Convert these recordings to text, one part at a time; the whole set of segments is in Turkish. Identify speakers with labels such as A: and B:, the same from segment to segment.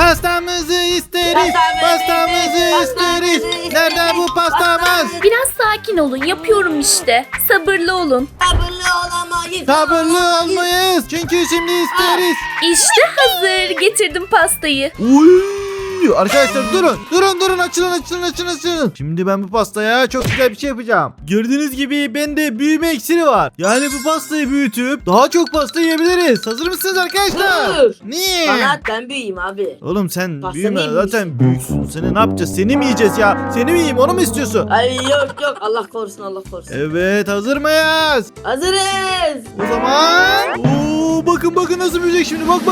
A: Pastamızı isteriz. Pastamızı isteriz. Nerede bu pastamız?
B: Biraz sakin olun, yapıyorum işte. Sabırlı olun.
C: Sabırlı olamayız.
A: Sabırlı olmayız. Çünkü şimdi isteriz.
B: İşte hazır. Getirdim pastayı.
A: Uy! Arkadaşlar durun açılın. Şimdi ben bu pastaya çok güzel bir şey yapacağım. Gördüğünüz gibi bende büyüme iksiri var. Yani bu pastayı büyütüp daha çok pasta yiyebiliriz. Hazır mısınız arkadaşlar?
C: Dur.
A: Niye?
C: Bana at, ben büyüyeyim abi.
A: Oğlum sen
C: Pasta
A: büyüme
C: neymiş?
A: zaten büyüksün. Seni ne yapacağız? Seni mi yiyeceğiz ya? Seni mi yiyeyim, onu mu istiyorsun?
C: Ay yok Allah korusun Allah korusun.
A: Evet, hazır mıyız?
C: Hazırız.
A: O zaman bakın nasıl büyüyecek şimdi. Bak.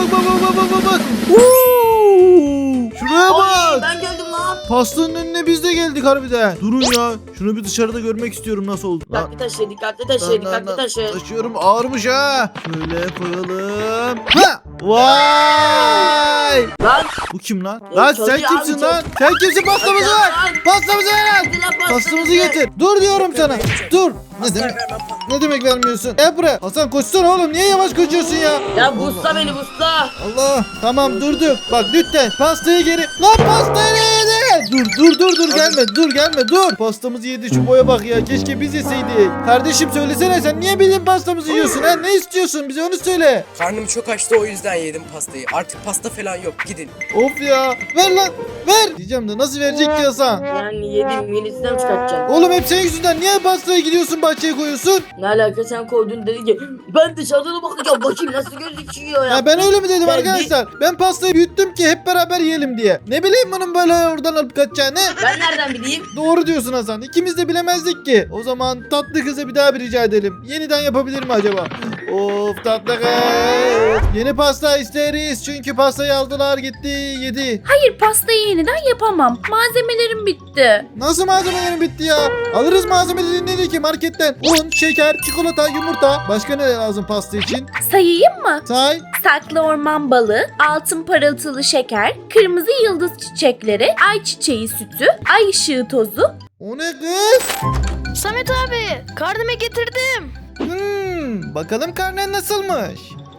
A: Şuraya
C: Oy,
A: bak.
C: ben geldim lan.
A: Pastanın önüne biz de geldik harbiden. Durun ya. Şunu bir dışarıda görmek istiyorum nasıl oldu.
C: Dikkatli taşı, dikkatli taşı.
A: Taşıyorum, ağırmış ha. Şöyle koyalım. Ha! Vay!
C: Lan.
A: Bu kim lan?
C: Ya
A: Lan
C: çok
A: sen
C: iyi
A: kimsin
C: abi,
A: lan? Sen kimsin? Pastamızı
C: Lan.
A: ver. Pastamızı ver.
C: Hadi lan
A: Pastamızı getir. Dur diyorum sana. Dur. Ne demek vermiyorsun? Gel buraya. Hasan koşsana oğlum. Niye yavaş koşuyorsun ya?
C: Ya busla beni busla.
A: Allah. Tamam durduk. Bak lütfen pastayı geri. Lan pastayı yedi. Dur gelme. Pastamızı yedi, şu boya bak ya. Keşke biz yeseydik. Kardeşim söylesene, sen niye bizim pastamızı yiyorsun ha? Ne istiyorsun? Bize onu söyle.
D: Karnım çok açtı, o yüzden yedim pastayı. Artık pasta falan yok, gidin.
A: Of ya. Ver lan. Ver. Diyeceğim de nasıl verecek ki Hasan?
C: Yani yedim yenisinden mi çıkartacaksın?
A: Oğlum hep senin yüzünden. Niye pastaya gidiyorsun, bahçeye koyuyorsun?
C: Ne alaka, sen koydun dedi ki ben dışarıdan bakacağım nasıl gözüküyor ya.
A: Ya ben öyle mi dedim
C: Ben
A: arkadaşlar? Ben pastayı büyüttüm ki hep beraber yiyelim diye. Ne bileyim bunun böyle oradan alıp kaçacağını.
C: Ben nereden bileyim?
A: Doğru diyorsun Hasan. İkimiz de bilemezdik ki. O zaman tatlı kıza bir daha bir rica edelim. Yeniden yapabilir mi acaba? Of tatlı kız. Yeni pasta isteriz. Çünkü pastayı aldılar gitti yedi.
B: Hayır, pastayı yeniden yapamam. Malzemelerim bitti.
A: Nasıl malzemelerin bitti ya? Alırız malzemeleri ne ki marketten? Un, şeker, çikolata, yumurta. Başka ne lazım pasta için?
B: Sayayım mı?
A: Say.
B: Saklı orman balı, altın parıltılı şeker, kırmızı yıldız çiçekleri, ayçiçeği sütü, ay ışığı tozu.
A: O ne kız?
E: Samet abi, karneme getirdim.
A: Bakalım karnen nasılmış?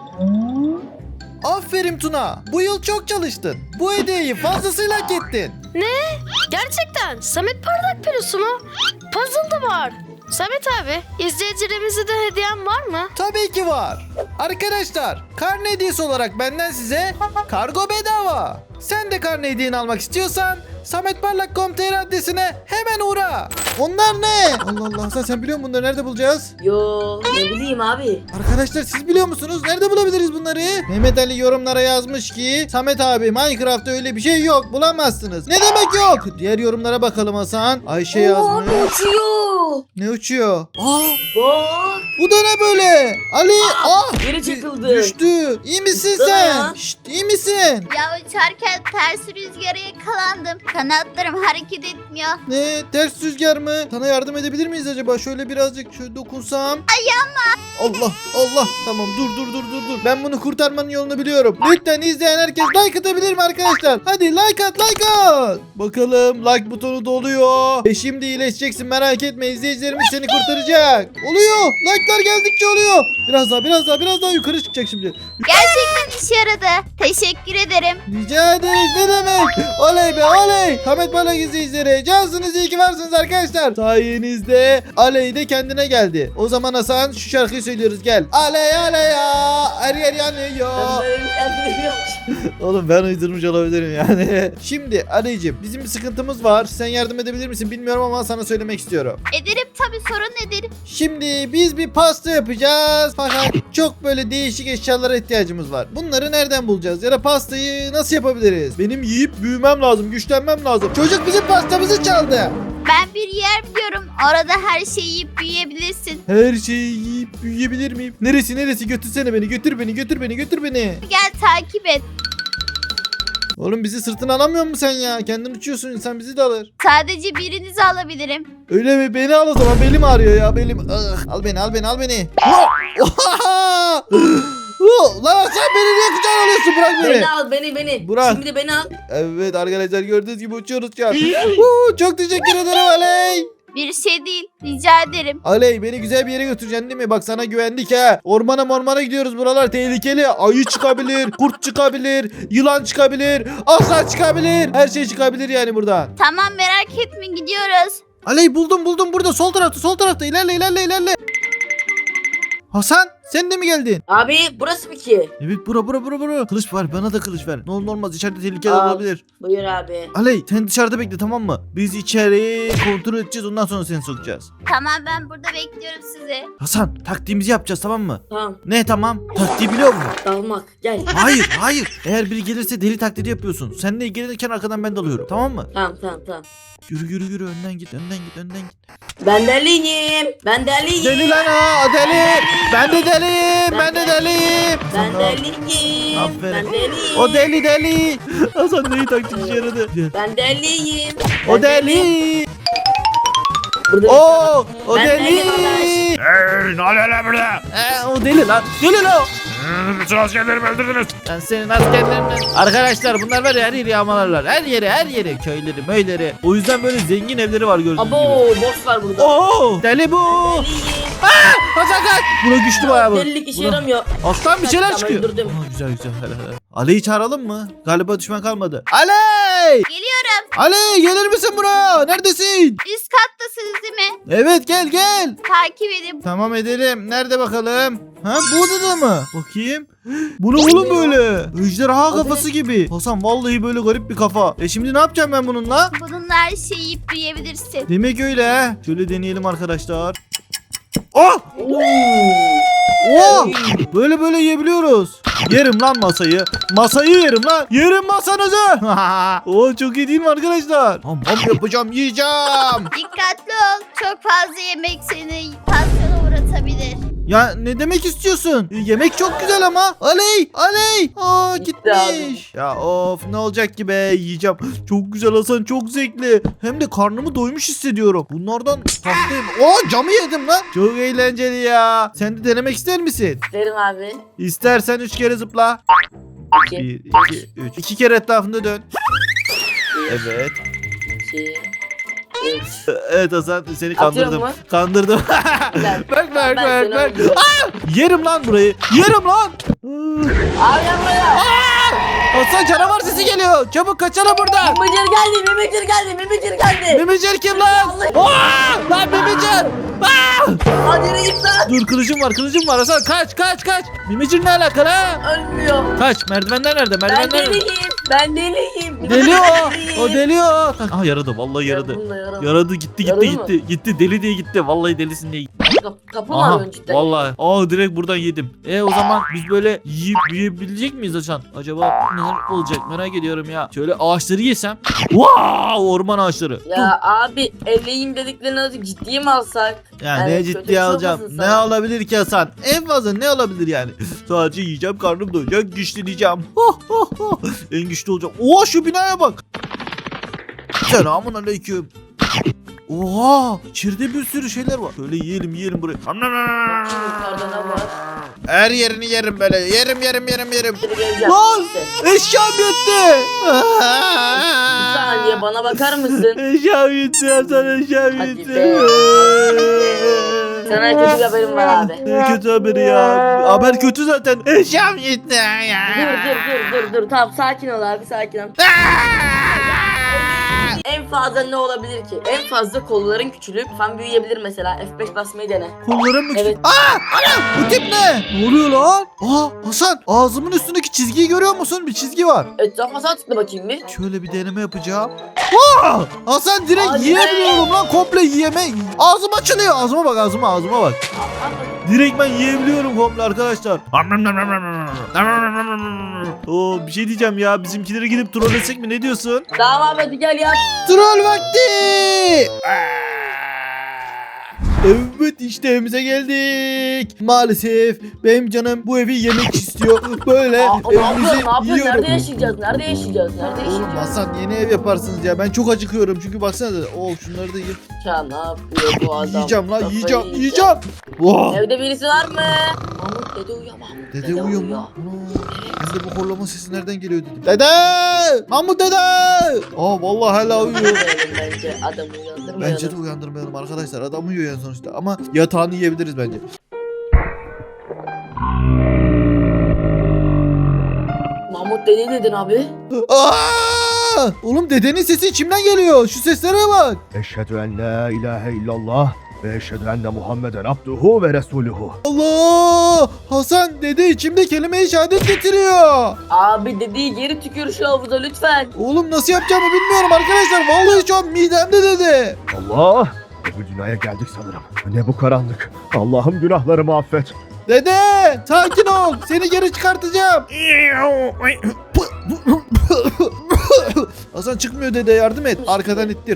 A: Aferin Tuna. Bu yıl çok çalıştın. Bu hediyeyi fazlasıyla hak ettin.
E: Gerçekten Samet Parlak Pelusu mu? Puzzle da var. Samet abi, izleyicilerimize de hediyen var mı?
A: Tabii ki var. Arkadaşlar, karne hediyesi olarak benden size kargo bedava. Sen de karne hediyeni almak istiyorsan sametparlak.com.tr adresine hemen uğra. Onlar ne? Allah Allah, sen biliyor musun bunları, nerede bulacağız?
C: Yo ne bileyim abi.
A: Arkadaşlar siz biliyor musunuz? Nerede bulabiliriz bunları? Mehmet Ali yorumlara yazmış ki Samet abi, Minecraft'ta öyle bir şey yok, bulamazsınız. Ne demek yok? Diğer yorumlara bakalım Hasan. Ayşe yazmış.
C: Uçuyor.
A: Ne uçuyor?
C: Bak.
A: Bu da ne böyle? Ali
C: Geri çıkıldı.
A: düştü. İyi misin
C: Sana
A: sen?
C: ya.
A: Şşt, iyi misin?
F: Ya uçarken ters rüzgara yakalandım. Kanatlarım hareket etmiyor.
A: Ne, ters rüzgar mı? Sana yardım edebilir miyiz acaba? Şöyle birazcık şöyle dokunsam. Allah. Tamam dur. Ben bunu kurtarmanın yolunu biliyorum. Lütfen izleyen herkes like atabilir mi arkadaşlar? Hadi like at. Bakalım like butonu doluyor. Şimdi iyileşeceksin, merak etme, izleyicilerimiz seni kurtaracak. Oluyor. Like'lar geldikçe oluyor. Biraz daha yukarı çıkacak şimdi.
F: Gerçekten işe yaradı. Teşekkür ederim.
A: Rica ederiz, ne demek? Oley be oley. Samet Parlak izleyicileri, cansınız, iyi ki varsınız arkadaşlar. Sayenizde Aley de kendine geldi. O zaman Hasan şu şarkıyı söylüyoruz, gel. Aley ya, her yer yanıyor. Oğlum ben uydurmuş olabilirim yani. Şimdi Aleyciğim, bizim bir sıkıntımız var. Sen yardım edebilir misin bilmiyorum ama sana söylemek istiyorum.
F: Ederim tabii, sorun ederim.
A: Şimdi biz bir pasta yapacağız. Fakat çok böyle değişik eşyalara ihtiyacımız var. Bunları nereden bulacağız? Ya da pastayı nasıl yapabiliriz? Benim yiyip büyümem lazım, güçlenmem lazım. Çocuk bizim pastamızı çaldı.
F: Ben bir yer biliyorum. Orada her şeyi yiyip büyüyebilirsin.
A: Her şeyi yiyip büyüyebilir miyim? Neresi? Götürsene beni. Götür beni.
F: Gel takip et.
A: Oğlum bizi sırtına alamıyor musun sen ya? Kendin uçuyorsun, insan bizi de alır.
F: Sadece birinizi alabilirim.
A: Öyle mi? Beni al o zaman. Belim ağrıyor ya. Belim. Al beni. Lan sen beni niye kucağına alıyorsun? Bırak beni.
C: Beni al beni.
A: Burak.
C: Şimdi beni al.
A: Evet arkadaşlar, gördüğünüz gibi uçuyoruz şu an. Çok teşekkür ederim Aley.
F: Bir şey değil. Rica ederim.
A: Aley beni güzel bir yere götüreceksin değil mi? Bak sana güvendik ha. Ormana gidiyoruz. Buralar tehlikeli. Ayı çıkabilir, kurt çıkabilir, yılan çıkabilir, aslan çıkabilir. Her şey çıkabilir yani buradan.
F: Tamam, merak etme, gidiyoruz.
A: Aley buldum burada. Sol tarafta. İlerle. Hasan sen de mi geldin?
C: Abi burası mı ki?
A: Evet bura. Kılıç var, bana da kılıç ver. Ne olur ne olmaz, içeride tehlikeler
C: Al.
A: olabilir.
C: Buyur abi.
A: Aley sen dışarıda bekle, tamam mı? Biz içeriği kontrol edeceğiz, ondan sonra seni sokacağız.
F: Tamam, ben burada bekliyorum sizi.
A: Hasan taktiğimizi yapacağız, tamam mı?
C: Tamam.
A: Ne tamam? Taktiği biliyor musun?
C: Dalmak. Gel.
A: Hayır. Eğer biri gelirse deli taklidi yapıyorsun. Seninle ilgilenirken arkadan ben dalıyorum, tamam mı?
C: Tamam.
A: Yürü önden git.
C: Ben deliyim.
A: Deli lan o deli. Ben de deliyim.
C: Ben deliyim.
A: Aferin.
C: Ben deliyim.
A: O deli. Hasan neyi taktik işe yaradı?
C: Ben deliyim.
A: O deli.
C: Burada
A: O
C: Ben
A: deli.
C: deliyim arkadaş.
G: Ne oluyor lan burada?
A: O deli lan. Deli lan.
G: Bütün askerlerimi öldürdünüz.
A: Ben senin askerlerinden. Arkadaşlar bunlar var ya, her yeri yağmalarlar. Her yeri. Köyleri, möyleri. O yüzden böyle zengin evleri var gördüğünüz gibi.
C: Abo boss var burada.
A: Oo, deli bu.
C: Deliyim.
A: Hasan kaç. Buna güçlü bayağı bu.
C: Delilik işe yaramıyor.
A: Aslan bir şeyler
C: Tamam,
A: çıkıyor.
C: öldürdüm.
A: Güzel. Hele. Ali'yi çağıralım mı? Galiba düşman kalmadı. Ali!
F: Geliyorum.
A: Ali gelir misin buraya? Neredesin?
F: Üst kattasınız değil mi?
A: Evet gel.
F: Takip edin.
A: Tamam edelim. Nerede bakalım? Ha bu odada mı? Bakayım. Bu ne oğlum böyle? Ejderha kafası gibi. Hasan vallahi böyle garip bir kafa. Şimdi ne yapacağım ben bununla?
F: Bununla her şeyi yiyip büyüyebilirsin.
A: Demek öyle ha. Şöyle deneyelim arkadaşlar. Oh! Böyle yiyebiliyoruz. Yerim lan masayı. Masayı yerim lan. Yerim masanızı. Çok iyi değil mi arkadaşlar? Ham yapacağım, yiyeceğim.
F: Dikkatli ol. Çok fazla yemek seni tansiyona uğratabilir.
A: Ya ne demek istiyorsun? Yemek çok güzel ama. Aley. Aa gitmiş. Ya of, ne olacak ki be, yiyeceğim. Çok güzel Hasan, çok zevkli. Hem de karnımı doymuş hissediyorum. Bunlardan tatlıyım. Camı yedim lan. Çok eğlenceli ya. Sen de denemek ister misin?
C: Derim abi.
A: İstersen 3 kere zıpla. 1, 2, 3. 2 kere etrafında dön. Evet.
C: 2 3.
A: Evet Hasan, seni
C: Atıyor
A: kandırdım.
C: mu?
A: Kandırdım. bak.
C: Ben seni öldürüyorum.
A: Yerim lan burayı. Yerim lan.
C: Abi yapma.
A: Hasan canavar sesi geliyor. Çabuk kaçalım buradan.
C: Mimicir geldi.
A: Mimicer kim lan? Lan Mimicer.
C: Hadi yürü git lan.
A: Dur, kılıcım var Hasan, kaç. Mimicer ne alakalı ha?
C: Ölmüyor.
A: Kaç, merdivenler nerede?
C: Ben deliyim.
A: Deli o deli o. Aha yaradı, vallahi yaradı. Yaradı gitti.
C: Yaradı mı?
A: Gitti deli diye gitti. Vallahi delisin diye gitti.
C: Kapı mı
A: Aha
C: arıyorsun cidden?
A: vallahi. Direkt buradan yedim. O zaman biz böyle yiyip büyüyebilecek miyiz Hasan? Acaba neler olacak, merak ediyorum ya. Şöyle ağaçları yesem. Orman ağaçları.
C: Ya abi eleyim dediklerini azıcık ciddiye mi alsak?
A: Ya
C: Yani
A: ne
C: kötü bir
A: ciddiye
C: şey
A: alacağım?
C: olmasın
A: Ne
C: sana.
A: olabilir ki Hasan? En fazla ne olabilir yani? Sadece yiyeceğim, karnım doyacak, güçleneceğim. En güçlü olacağım. Şu binaya bak. Selamun aleyküm. Oha! İçeride bir sürü şeyler var. Şöyle yiyelim burayı.
C: Yukarıda ne var?
A: Her yerini yerim böyle. Yerim.
C: Hadi geleceğim.
A: Lan!
C: Neyse.
A: Eşyam yetti.
C: Bir saniye bana bakar mısın?
A: Eşyam yetti Hasan, eşyam
C: Hadi
A: yetti.
C: be. Sana kötü bir haberim var abi.
A: Ne kötü haberi ya. Haber kötü zaten. Eşyam yetti ya.
C: Dur. Tamam sakin ol abi, sakin ol. En fazla ne olabilir ki? En fazla kolların küçülüp fan büyüyebilir mesela. F5 basmayı dene.
A: Kollarım mı?
C: Evet.
A: Ana! Bu tip ne? Ne oluyor lan? Hasan, ağzımın üstündeki çizgiyi görüyor musun? Bir çizgi var.
C: Etrafa sağ tıkla bakayım bir.
A: Şöyle bir deneme yapacağım. Hasan direkt
C: Hadi
A: yiyemiyorum lan, komple yiyeme. Ağzım açılıyor. Ağzıma bak. Direkt ben yiyebiliyorum komple arkadaşlar. Bir şey diyeceğim ya. Bizimkileri gidip trollesek mi? Ne diyorsun?
C: Tamam abi hadi gel ya.
A: Troll vakti. Evet, işte evimize geldik. Maalesef benim canım bu evi yemek istiyor. Böyle
C: Ne
A: evimizi
C: yapıyorsun?
A: yiyorum.
C: Nerede yaşayacağız?
A: Oğlum Hasan, yeni ev yaparsınız ya. Ben çok acıkıyorum çünkü baksana. Şunları da ye.
C: Ya ne yapıyor bu adam?
A: Yiyeceğim lan,
C: Kafayı
A: yiyeceğim. Wow.
C: Evde birisi var mı? Mahmut dede uyuyor.
A: Dede uyuyor mu? Ana. Ben de bu horlama sesi nereden geliyor dedim. Dede! Mahmut dede! Aa vallahi hala uyuyor.
C: Uyandırmayalım bence. Adamı uyandırmayalım.
A: Bence de uyandırmayalım arkadaşlar. Adam uyuyor yani sonuçta. Ama yatağını yiyebiliriz bence.
C: Mahmut dedi dedin abi.
A: Aa! Oğlum dedenin sesi içimden geliyor. Şu seslere bak.
G: Eşhedü en la ilahe illallah ve eşhedü enne Muhammeden abduhu ve resuluhu.
A: Allah! Hasan dede içimde kelime-i şehadet getiriyor.
C: Abi dediği geri tükür şu havuza lütfen.
A: Oğlum nasıl yapacağımı bilmiyorum arkadaşlar. Vallahi şu an midemde dede.
G: Allah! Öbür dünyaya geldik sanırım. Ne bu karanlık? Allah'ım günahlarımı affet.
A: Dede! Sakin ol. Seni geri çıkartacağım. Hasan çıkmıyor dede, yardım et. Arkadan ittir.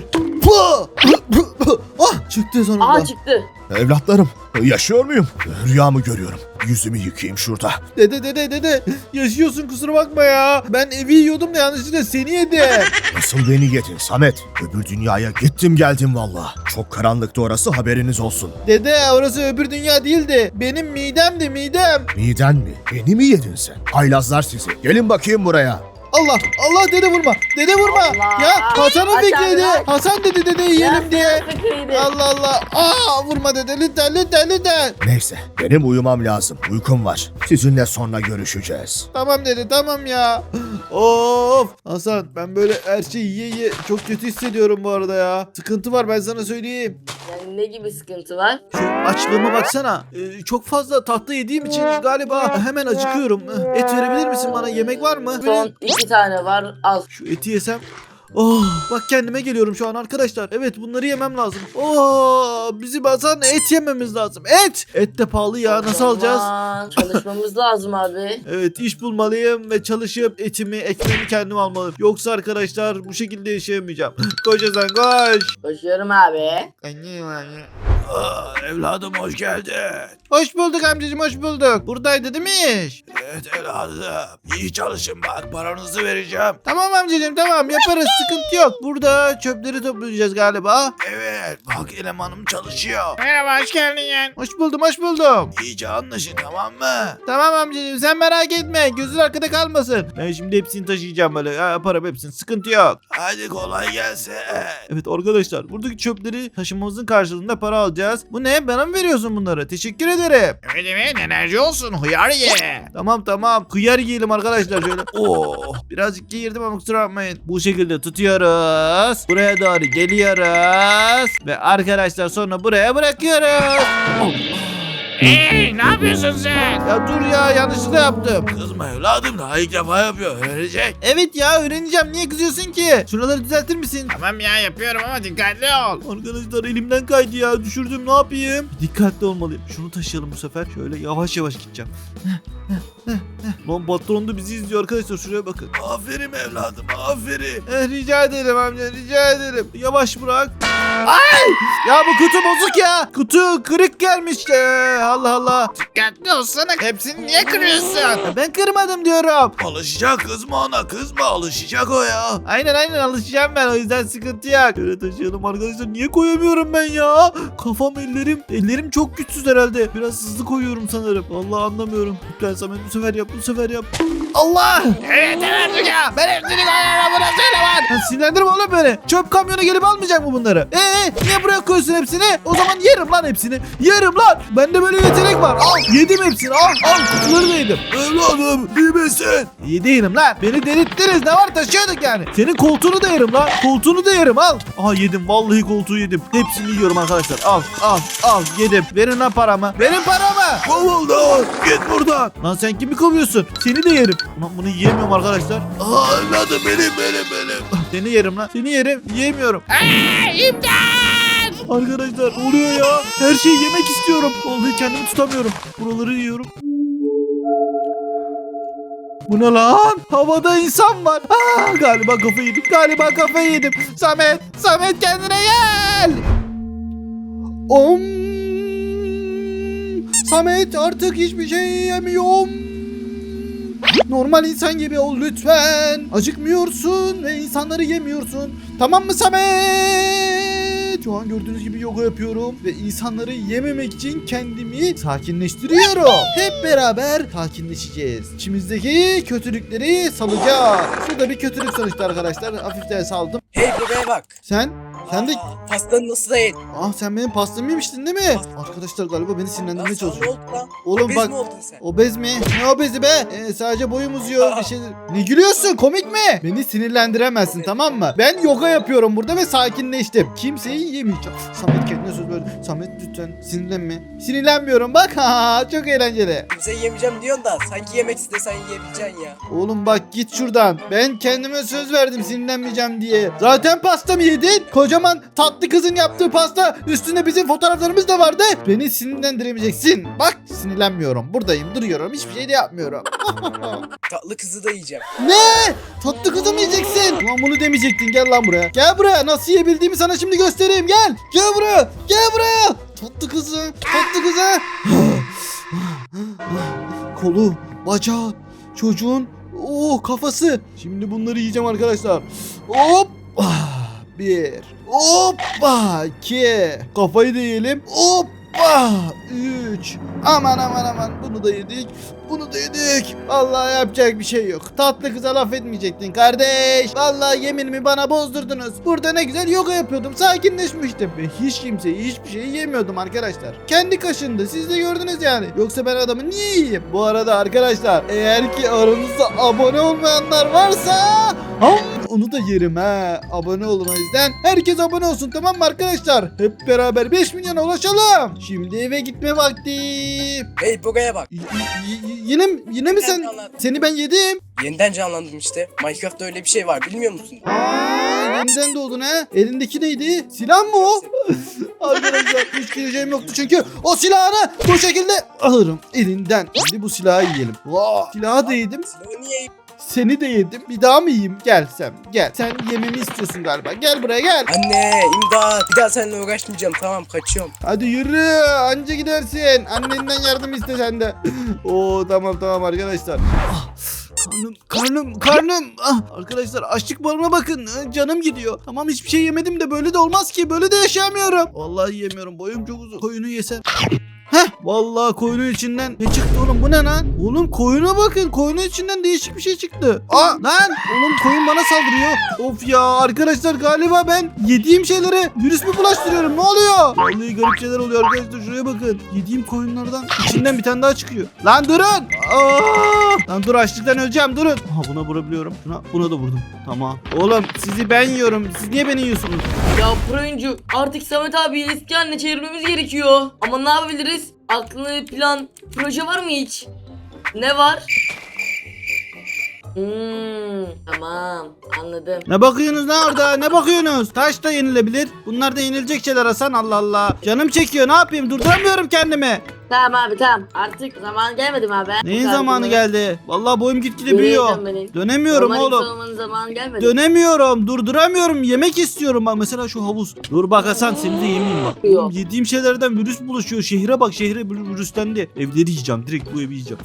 A: Ah, çıktı sonunda.
C: Aa çıktı.
G: Evlatlarım, yaşıyor muyum? Rüya mı görüyorum? Yüzümü yıkayayım şurada.
A: Dede yaşıyorsun, kusura bakma ya. Ben evi yiyordum da yanlışlıkla seni yedim.
G: Nasıl beni yedin Samet? Öbür dünyaya gittim geldim valla. Çok karanlıktı orası, haberiniz olsun.
A: Dede orası öbür dünya değildi. Benim midemdi midem.
G: Miden mi? Beni mi yedin sen? Haylazlar sizi. Gelin bakayım buraya.
A: Allah dede vurma. Dede vurma.
C: Allah.
A: Ya Hasan'ın
C: Aç
A: fikriydi.
C: abi, aç.
A: Hasan dedi dede yiyelim diye.
C: Fikriydi.
A: Allah. Aa vurma dede, lütfen.
G: Neyse, benim uyumam lazım. Uykum var. Sizinle sonra görüşeceğiz.
A: Tamam dede, tamam ya. Of Hasan, ben böyle her şeyi yiye çok kötü hissediyorum bu arada ya. Sıkıntı var, ben sana söyleyeyim.
C: Yani ne gibi sıkıntı var?
A: Şu açlığıma baksana. Çok fazla tatlı yediğim için galiba hemen acıkıyorum. Et verebilir misin bana? Yemek var mı?
C: Son 2 tane var, al.
A: Şu eti yesem. Oh, bak kendime geliyorum şu an arkadaşlar. Evet, bunları yemem lazım. Oh, bizim Hasan et yememiz lazım. Et de pahalı ya, nasıl alacağız?
C: Aman, çalışmamız lazım abi.
A: Evet, iş bulmalıyım ve çalışıp ekmeğimi kendim almalıyım. Yoksa arkadaşlar bu şekilde yaşayamayacağım. Koş Hasan koş.
C: Koşuyorum abi.
G: Evladım hoş geldin.
A: Hoş bulduk amcacığım, hoş bulduk. Buradaydı değil mi iş?
G: Evet evladım. İyi çalışın bak, paranızı vereceğim.
A: Tamam amcacığım, tamam yaparız, sıkıntı yok. Burada çöpleri toplayacağız galiba.
G: Evet bak, elemanım çalışıyor.
A: Merhaba, hoş geldin. Hoş buldum.
G: İyice anlaşın, tamam mı?
A: Tamam amcacığım, sen merak etme, gözün arkada kalmasın. Ben şimdi hepsini taşıyacağım böyle, yaparım hepsini, sıkıntı yok.
G: Hadi kolay gelsin.
A: Evet arkadaşlar, buradaki çöpleri taşımamızın karşılığında para alacağız. Bu ne, bana mı veriyorsun bunları? Teşekkür ederim.
G: Öyle mi? Enerji olsun, hıyar ye.
A: Tamam, kıyar yiyelim arkadaşlar şöyle. Oh, birazcık geğirdim ama kusura bakmayın. Bu şekilde tutuyoruz. Buraya doğru geliyoruz. Ve arkadaşlar sonra buraya bırakıyoruz.
G: Hey, ne yapıyorsun sen?
A: Ya dur ya, yanlışlıkla yaptım.
G: Kızma evladım, daha ilk defa yapıyor, öğrenecek.
A: Evet ya, öğreneceğim, niye kızıyorsun ki? Şuraları düzeltir misin?
G: Tamam ya, yapıyorum ama dikkatli ol.
A: Arkadaşlar elimden kaydı ya, düşürdüm, ne yapayım? Dikkatli olmalıyım. Şunu taşıyalım bu sefer. Şöyle yavaş gideceğim. Lan patron da bizi izliyor arkadaşlar, şuraya bakın.
G: Aferin evladım, aferin.
A: Rica ederim amca, rica ederim. Yavaş bırak. Ay! Ya bu kutu bozuk ya. Kutu kırık gelmiş. Allah.
G: Dikkatli olsana, hepsini niye kırıyorsun?
A: Ya ben kırmadım diyorum.
G: Alışacak, kızma ona, kızma, alışacak o ya.
A: Aynen alışacağım ben, o yüzden sıkıntı yok. Şöyle taşıyalım arkadaşlar, niye koyamıyorum ben ya? Kafam, ellerim çok güçsüz herhalde. Biraz hızlı koyuyorum sanırım. Vallahi anlamıyorum. Lütfen Samet, bu sefer yap. Allah!
G: Evet ya, ben hepsini koyarım, buna söyle var.
A: Ya sinirlendirme oğlum beni. Çöp kamyonu gelip almayacak mı bunları? Niye buraya koyuyorsun hepsini? O zaman yerim lan hepsini. Yerim lan. Bende böyle yetenek var. Al, yedim hepsini. Al, kutuları da yedim.
G: Evladım, iyi misin?
A: İyi değilim lan. Beni delirttiniz. Ne var, taşıyorduk yani. Senin koltuğunu da yerim lan. Koltuğunu da yerim, al. Aha, yedim. Vallahi koltuğu yedim. Hepsini yiyorum arkadaşlar. Al. Yedim. Verin lan paramı. Verin paramı.
G: Kovuldun, git buradan.
A: Lan sen kimi kovuyorsun? Seni de yerim. Ulan bunu yiyemiyorum arkadaşlar.
G: Evladım benim.
A: Seni yerim lan. Seni yerim. Yiyemiyorum. Arkadaşlar oluyor ya. Her şeyi yemek istiyorum. Vallahi kendimi tutamıyorum. Buraları yiyorum. Bu ne lan? Havada insan var. Galiba kafayı yedim. Samet kendine gel. Samet, artık hiçbir şey yemiyorum. Normal insan gibi ol lütfen. Acıkmıyorsun ve insanları yemiyorsun. Tamam mı Samet? Şu an gördüğünüz gibi yoga yapıyorum ve insanları yememek için kendimi sakinleştiriyorum. Hep beraber sakinleşeceğiz. İçimizdeki kötülükleri salacağız. Şurada bir kötülük sonuçta arkadaşlar. Hafiften saldım.
D: Hey buraya bak.
A: Sen de...
D: Pastanı nasıl da yedin?
A: Ah sen benim pastamı yemiştin değil mi? Arkadaşlar galiba beni sinirlendirmeye
D: Lan sana ne
A: çalışıyor.
D: oldu lan?
A: Oğlum
D: Obez
A: bak,
D: mi oldun sen?
A: obez mi? Ne obezi be? Sadece boyum uzuyor bir şey. Ne gülüyorsun? Komik mi? Beni sinirlendiremezsin tamam mı? Ben yoga yapıyorum burada ve sakinleştim. Kimseyi yemeyeceğim. Samet kendine söz verdi. Samet lütfen sinirlenme. Sinirlenmiyorum bak. Ha çok eğlenceli.
D: Kimseyi yemeyeceğim diyorsun da sanki yemek istesen yiyebileceksin ya.
A: Oğlum bak git şuradan. Ben kendime söz verdim sinirlenmeyeceğim diye. Zaten pastamı yedin. Kocaman tatlı kızın yaptığı pasta. Üstünde bizim fotoğraflarımız da vardı. Beni sinirlendiremeyeceksin. Bak sinirlenmiyorum. Buradayım duruyorum. Hiçbir şey de yapmıyorum.
D: Tatlı kızı da yiyeceğim.
A: Ne? Tatlı kızı mı yiyeceksin? Ulan bunu demeyecektin. Gel lan buraya. Gel buraya. Nasıl yiyebildiğimi sana şimdi göstereyim. Gel. Gel buraya. Gel buraya. Tatlı kızı. Tatlı kızı. Kolu, bacağı, çocuğun kafası. Şimdi bunları yiyeceğim arkadaşlar. Hop. Bir. Hoppa. İki. Kafayı da yiyelim. Hoppa. Üç. Aman aman aman. Bunu da yedik. Bunu da yedik. Vallahi yapacak bir şey yok. Tatlı kıza laf etmeyecektin kardeş. Vallahi yeminimi bana bozdurdunuz. Burada ne güzel yoga yapıyordum. Sakinleşmiştim. Ve hiç kimseyi hiçbir şey yemiyordum arkadaşlar. Kendi kaşındı. Siz de gördünüz yani. Yoksa ben adamı niye yiyeyim? Bu arada arkadaşlar eğer ki aranızda abone olmayanlar varsa onu da yerim ha. Abone olun o yüzden. Herkes abone olsun tamam mı arkadaşlar? Hep beraber 5 milyona ulaşalım. Şimdi eve gitme vakti.
D: Hey buraya bak.
A: Yine mi sen? Seni ben yedim.
D: Yeniden canlandım işte. Minecraft'ta öyle bir şey var bilmiyor musun?
A: Yeniden doğdun ha. Elindeki neydi? Silah mı o? Arkadaşlar hiç gireceğim yoktu çünkü o silahını bu şekilde alırım elinden. Şimdi bu silahı yiyelim. Silahı da yedim.
D: Silahı niye yedin?
A: Seni de yedim. Bir daha mı yiyeyim? Gel sen. Gel. Sen yememi istiyorsun galiba. Gel buraya gel.
D: Anne imdat. Bir daha seninle uğraşmayacağım. Tamam kaçıyorum.
A: Hadi yürü. Anca gidersin. Annenden yardım iste sen de. Tamam arkadaşlar. Karnım. Arkadaşlar açlık barıma bakın. Canım gidiyor. Tamam hiçbir şey yemedim de böyle de olmaz ki. Böyle de yaşayamıyorum. Vallahi yemiyorum. Boyum çok uzun. Koyunu yesem. Vallahi koyunun içinden ne çıktı oğlum bu ne lan? Oğlum koyuna bakın koyunun içinden değişik bir şey çıktı. Lan oğlum koyun bana saldırıyor. Of ya arkadaşlar galiba ben yediğim şeylere virüs mü bulaştırıyorum ne oluyor? Vallahi garip şeyler oluyor arkadaşlar şuraya bakın. Yediğim koyunlardan içinden bir tane daha çıkıyor. Lan durun. Lan dur açlıktan öleceğim durun. Buna vurabiliyorum. Buna da vurdum. Tamam. Oğlum sizi ben yiyorum. Siz niye beni yiyorsunuz?
C: Ya Proyuncu artık Samet abi eski haline çevirmemiz gerekiyor. Ama ne yapabiliriz? Aklında bir plan, proje var mı hiç? Ne var? Tamam anladım.
A: Ne bakıyorsunuz lan orada? Ne bakıyorsunuz? Taş da yenilebilir. Bunlar da yenilecek şeyler Hasan Allah Allah. Canım çekiyor ne yapayım? Durduramıyorum kendimi.
C: Tamam abi tamam. Artık zaman gelmedi mi abi?
A: Neyin zamanı geldi? Vallahi boyum gitgide büyüyor. Dönemiyorum oğlum.
C: Olmanın zamanı gelmedi.
A: Dönemiyorum. Durduramıyorum. Yemek istiyorum bak. Mesela şu havuz. Dur bak Hasan seni de yemeyeyim bak.
C: Yok.
A: Oğlum, yediğim şeylerden virüs bulaşıyor. Şehre bak. Şehre virüslendi. Evleri yiyeceğim. Direkt bu evi yiyeceğim.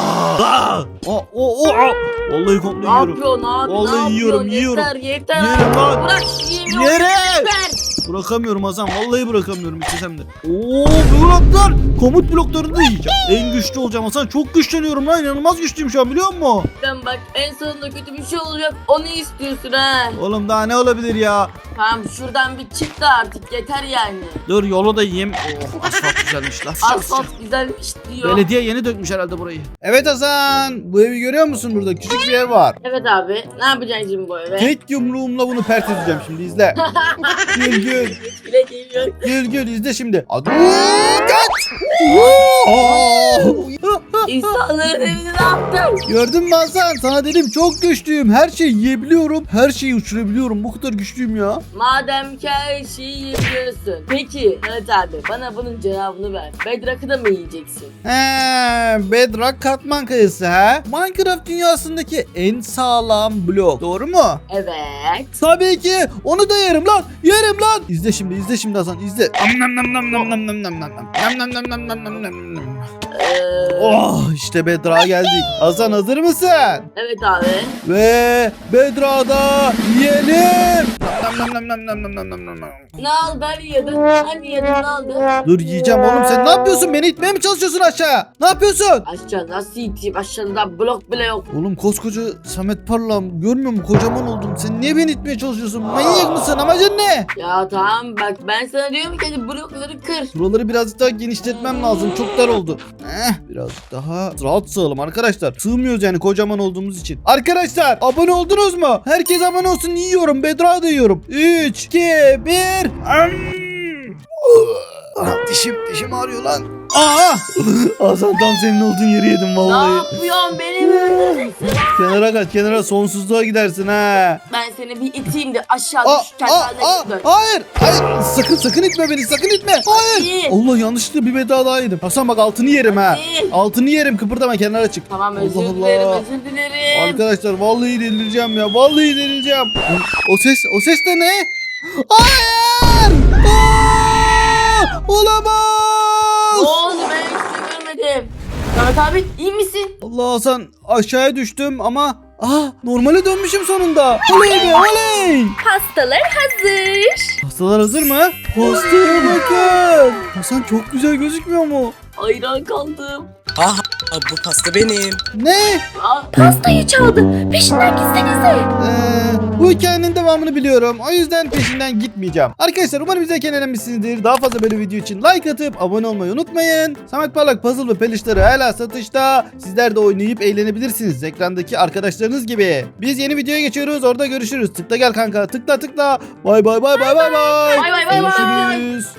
A: Vallahi komple
C: Ne
A: yiyorum.
C: yapıyorsun abi?
A: Vallahi
C: ne
A: yiyorum,
C: yapıyorsun?
A: yiyorum.
C: Yeter.
A: Yerim lan.
C: Bırak yiyeyim.
A: Yere! Bırakamıyorum Hasan. Vallahi bırakamıyorum istesem de. Bloklar. Komut bloklarını da yiyeceğim. En güçlü olacağım Hasan. Çok güçleniyorum lan. İnanılmaz güçlüyüm şu an biliyor musun?
C: Sen bak en sonunda kötü bir şey olacak. Onu istiyorsun ha.
A: Oğlum daha ne olabilir ya?
C: Tamam şuradan bir çık da artık yeter yani.
A: Dur yolu da yiyeyim. Asfalt güzelmiş lan.
C: Asfalt güzelmiş diyor.
A: Belediye yeni dökmüş herhalde burayı. Evet Hasan. Bu evi görüyor musun burada? Küçük bir ev var.
C: Evet abi ne yapacaksın şimdi bu eve?
A: Tek yumruğumla bunu pert edeceğim şimdi izle. Gül.
C: Bile geliyor.
A: Gül izle şimdi. Hadi. Kaç.
C: İnsanların evini ne yaptın?
A: Gördün mü Hasan? Sana dedim çok güçlüyüm. Her şeyi yiyebiliyorum. Her şeyi uçurabiliyorum. Bu kadar güçlüyüm ya.
C: Madem ki her şeyi yiyebiliyorsun. Peki evet abi bana bunun cevabını ver. Bedrock'ı da mı yiyeceksin?
A: Bedrock katman kayası ha? Minecraft dünyasındaki en sağlam blok. Doğru mu?
C: Evet.
A: Tabii ki. Onu da yerim lan. Yerim lan. İzle şimdi Hasan izle. Oh işte Bedra geldik. Hasan hazır mısın?
C: Evet abi.
A: Ve Bedra'da yiyelim. Nam nam nam nam nam nam nam nam nam.
C: Ne oldu? Hani yedin? Hani yedin ne oldu?
A: Dur yiyeceğim oğlum, sen ne yapıyorsun? Beni itmeye mi çalışıyorsun aşağı? Ne yapıyorsun?
C: Aşağı nasıl iteyim? Aşağıda blok bile yok.
A: Oğlum koskoca Samet Parlak, görmüyor musun? Kocaman oldum. Sen niye beni itmeye çalışıyorsun? Manyak mısın? Amacın ne?
C: Ya tamam bak ben sana diyorum ki hadi blokları kır.
A: Buraları birazcık daha genişletmem lazım. Çok dar oldu. Birazcık daha rahat sığalım arkadaşlar. Sığmıyoruz yani kocaman olduğumuz için. Arkadaşlar abone oldunuz mu? Herkes abone olsun, yiyorum. Bedra da yiyorum. 3, 2, 1. Dişim ağrıyor lan. Aa! Hasan tam senin olduğun yeri yedim
C: Ne
A: vallahi.
C: yapıyorsun? Beni mi öldüreceksin?
A: Kenara kaç, kenara, sonsuzluğa gidersin ha.
C: Ben seni bir iteyim de aşağı
A: Aa,
C: düş kendine dön.
A: hayır. Sakın itme beni, sakın itme. Hayır.
C: Hadi.
A: Allah, yanlışlıkla bir Bedra daha yedim. Hasan bak altını yerim ha.
C: Hadi.
A: Altını yerim, kıpırdama, kenara çık.
C: Tamam özür
A: Allah
C: dilerim
A: Allah.
C: özür dilerim.
A: Arkadaşlar vallahi delireceğim ya. Vallahi delireceğim. O ses de ne? Hayır! Olamaz!
C: Ne oldu ben hiç görmedim. Samet abi iyi misin?
A: Allah, Hasan aşağıya düştüm ama normale dönmüşüm sonunda. Oley be oley!
B: Pastalar hazır.
A: Pastalar hazır mı? Pastaya bakın. Hasan çok güzel gözükmüyor mu?
C: Hayran kaldım.
D: Aha bu pasta benim.
A: Ne?
C: Aa,
B: Pastayı çaldı. Peşinden gitsenize.
A: Bu hikayenin devamını biliyorum. O yüzden peşinden gitmeyeceğim. Arkadaşlar umarım izlerken eğlenmişsinizdir. Daha fazla böyle video için like atıp abone olmayı unutmayın. Samet Parlak puzzle ve peluşları hala satışta. Sizler de oynayıp eğlenebilirsiniz. Ekrandaki arkadaşlarınız gibi. Biz yeni videoya geçiyoruz. Orada görüşürüz. Tıkla gel kanka. Tıkla. Bay bay bay bay bay bay.
C: Bay bay bay bay.
A: Görüşürüz.